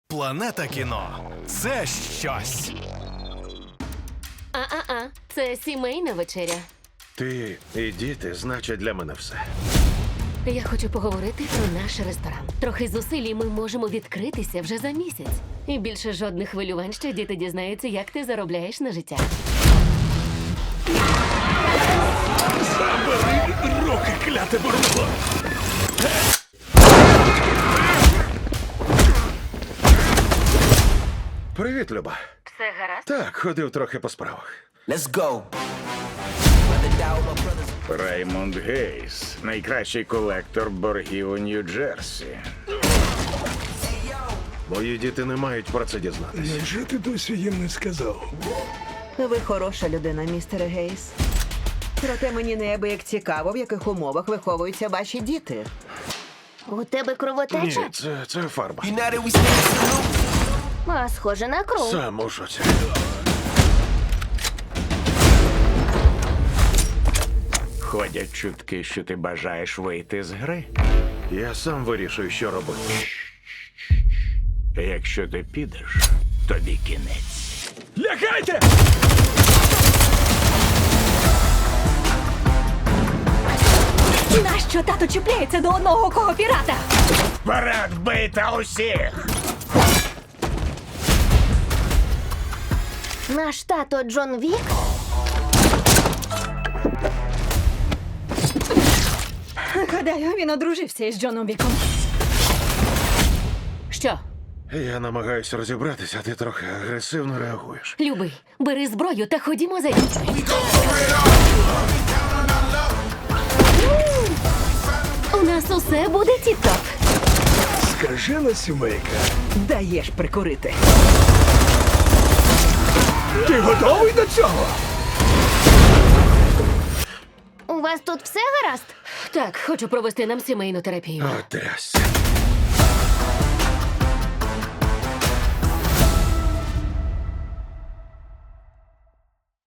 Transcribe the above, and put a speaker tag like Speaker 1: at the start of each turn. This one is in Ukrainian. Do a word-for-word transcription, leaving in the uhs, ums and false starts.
Speaker 1: Планета кіно – це щось.
Speaker 2: А-а-а, це сімейна вечеря.
Speaker 3: Ти і діти значать для мене все.
Speaker 2: Я хочу поговорити про наш ресторан. Трохи зусиль, і ми можемо відкритися вже за місяць. І більше жодних хвилювань, що діти дізнаються, як ти заробляєш на життя.
Speaker 1: Забери руки, кляте бурбо!
Speaker 3: Привіт, Люба.
Speaker 2: Все гаразд?
Speaker 3: Так, ходив трохи по справах.
Speaker 4: Let's go.
Speaker 5: Раймонд Гейс, найкращий колектор боргів у Нью-Джерсі.
Speaker 3: Мої діти не мають про це дізнатися.
Speaker 6: Невже ти досі їм не сказав?
Speaker 7: Ви хороша людина, містере Гейс. Проте мені неабияк цікаво, в яких умовах виховуються ваші діти.
Speaker 8: У тебе кровотеча?
Speaker 3: Ні, це, це фарба.
Speaker 4: United we stand salute.
Speaker 8: А, схоже на кров.
Speaker 3: Сам у шоці.
Speaker 5: Ходять чутки, що ти бажаєш вийти з гри.
Speaker 3: Я сам вирішую, що робити.
Speaker 5: Якщо ти підеш, тобі кінець.
Speaker 1: Лягайте!
Speaker 2: Нащо тато чіпляється до одного кого пірата?
Speaker 5: Вперед, бийте усіх!
Speaker 8: Наш тато Джон Вік?
Speaker 2: Гадаю, він одружився із Джоном Віком. Що?
Speaker 3: Я намагаюся розібратися, а ти трохи агресивно реагуєш.
Speaker 2: Любий, бери зброю та ходімо за дітьми. У нас усе буде тіп-топ.
Speaker 6: Скажена сімейка.
Speaker 7: Даєш прикурити.
Speaker 6: Ти готовий до цього?
Speaker 8: У вас тут все гаразд?
Speaker 2: Так, хочу провести нам сімейну терапію.
Speaker 3: О, трясся.